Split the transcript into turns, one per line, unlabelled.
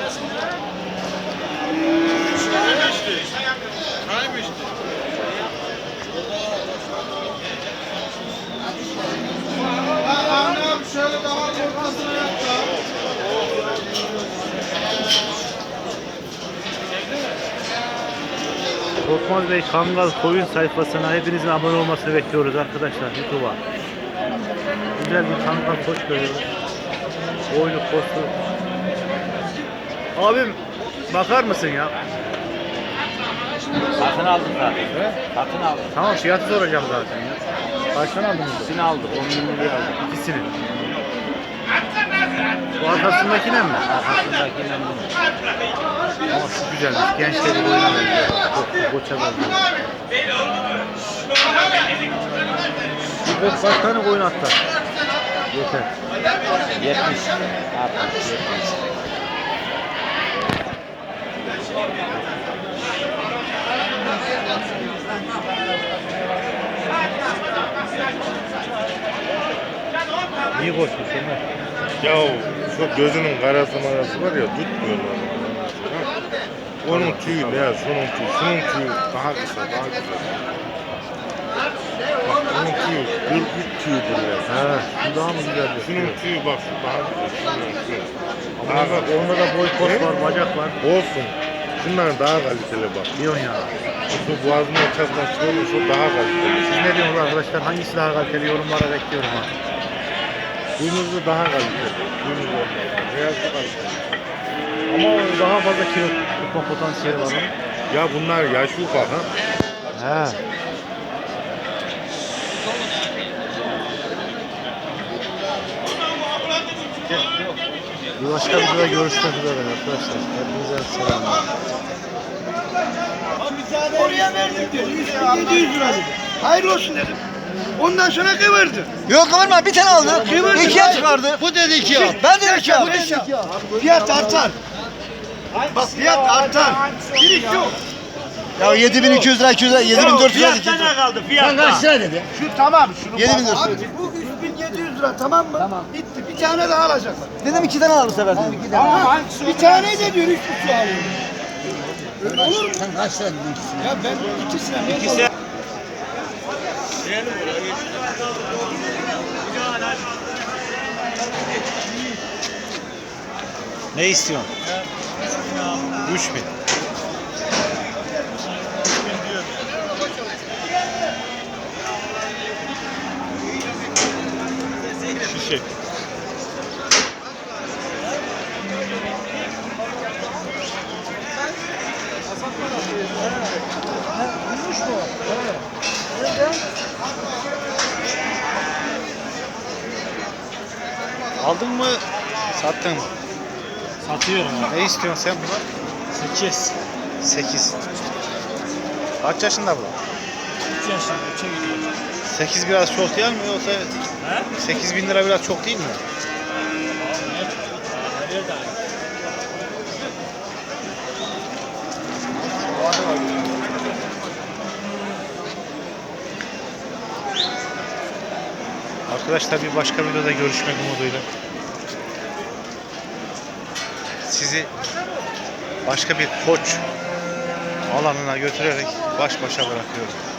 Korkmaz Bey Kangal Koyun sayfasına hepinizin abone olmasını bekliyoruz arkadaşlar YouTube'a. Güzel bir Kangal koç görüyoruz. Boynu postu. Abim bakar mısın ya?
Satın aldım zaten. Satın aldım.
Tamam fiyatı soracağım zaten ya. Kaçtan aldınız?
İkisini aldık. 10 bin liraya aldık.
İkisini. Bu arkasındakine mi?
Arkasındakinden bunu.
Ama şu güzelmiş. Gençleri boyuna benziyor. Koça benziyor. Bir kaç tane koyun atlar? Yeter.
70. 60, 70.
İyi koşmuş Ömer.
Ya şu gözünün karası marası var ya tutmuyorlar. Onun tüyü beyaz, şunun tüyü. Şunun tüyü daha kısa, daha güzel. Bak onun tüyü 43 tüyüdür ya.
He, şu daha mı güzel?
Şunun tüyü bak şu daha güzel. Şunun tüyü.
Ama bak onda da boy pot var, bacak var.
Olsun. Şunlar daha kaliteli bak.
Diyorsun ya.
Şu boğazın ortasından çıkıyor, şu daha kaliteli.
Siz ne diyorsunuz arkadaşlar? Hangisi daha kaliteli? Yorumlara bekliyorum ha.
Kuyumuzda daha kaliteli. Kuyumuz olmaz. Beyazı kaliteli.
Ama daha fazla kilo tutma potansiyeli var onun.
Ya bunlar yaş ufak ha.
He. Bir başka videoda görüşmek üzere arkadaşlar. Hepinize selamlar.
Oraya verdim diyor. 3700 lira dedim. Hayır olsun dedim. Ondan sonra kıvırdı.
Yok kıvırma bir tane aldı.
Kıvırdı.
İkiye çıkardı.
Bu dedi iki al.
Ben de iki al.
Fiyat artar. Bak fiyat artar. Giriş yok.
Ya 7200 lira 200 lira 7400 lira.
Fiyattan kaldı
Sen kaç lira dedi?
Şu tamam. Şunu
7400
Abi bu 3700 lira tamam mı? Tamam. Bitti. Bir tane daha alacaklar.
Dedim iki tane al bu sefer dedim.
Tamam. Bir tane de diyor 3,5 alıyorum. Öyle olur mu?
Sen kaç lira dedin ikisini?
Ya ben ikisine.
Ne istiyorsun? 3000.
Şişe.
Aldın mı? Sattın mı?
Satıyorum abi.
Ne istiyorsun sen buna?
8.
8. Kaç yaşında bu?
3 yaşında 3'e gidiyor.
8 biraz çok değil mi yoksa 8.000 lira biraz çok değil mi?
Nerede abi?
Arkadaşlar bir başka videoda görüşmek umuduyla. Sizi başka bir koç alanına götürerek baş başa bırakıyorum.